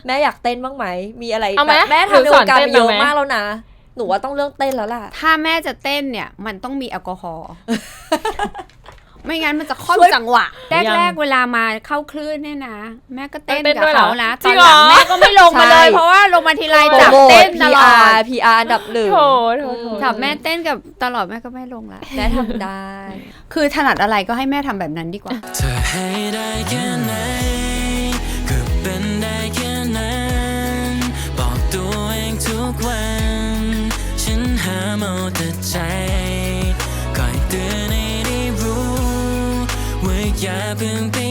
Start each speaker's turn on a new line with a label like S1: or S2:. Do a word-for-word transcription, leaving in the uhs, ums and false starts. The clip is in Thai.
S1: แม่อยากเต้นบ้างไหมมีอะไร
S2: เอาไหม
S1: แบบแม่ทำใน
S2: หรือส
S1: ว
S2: อน
S1: งการ
S2: เต้น
S1: มาเยอะ
S2: เอาไหม
S1: มากแล้วนะหนูว่าต้องเรื่องเต้นแล้วล่ะ
S3: ถ้าแม่จะเต้นเนี่ยมันต้องมีแอลกอฮอล์ ไม่งั้นมันจะค่อม
S1: ช่วย
S3: จังหวะ
S2: ยัง
S3: แรกๆเวลามาเข้าคลื่นเนี่ยนะแม่ก็เต้น
S2: เต้น
S3: กับ
S2: ด้วยเหรอ
S3: เขานะ
S2: จ
S3: ต
S2: ริ
S3: อง น
S2: เหร
S3: ห
S2: อ
S3: ลังแม่ก็ไม่ลงมาเลย
S1: ใช่
S3: เพราะว่าลงมาทีไร
S1: โปร
S3: จับ
S1: โมท
S3: เต้นตลอ
S1: พี อา
S3: ด
S1: ร์ พี อาร์ อันดับหนึ่ง
S2: โถโถโถ
S3: จับแม่เต้นกับตลอดแม่ก็ไม่ลงละ
S1: แม่ทำได้
S3: คือถนัดอะไรก็ให้แม่ทำแบบนั้นดีกว่า
S4: เธอให้ได้แค่ไหนก็เป็นได้แค่นั้นบอกตัวเองทุกวันฉันหาเอาแต่ใจคอยเตือนให้ได้รู้ว่าอย่าเพิ่งไป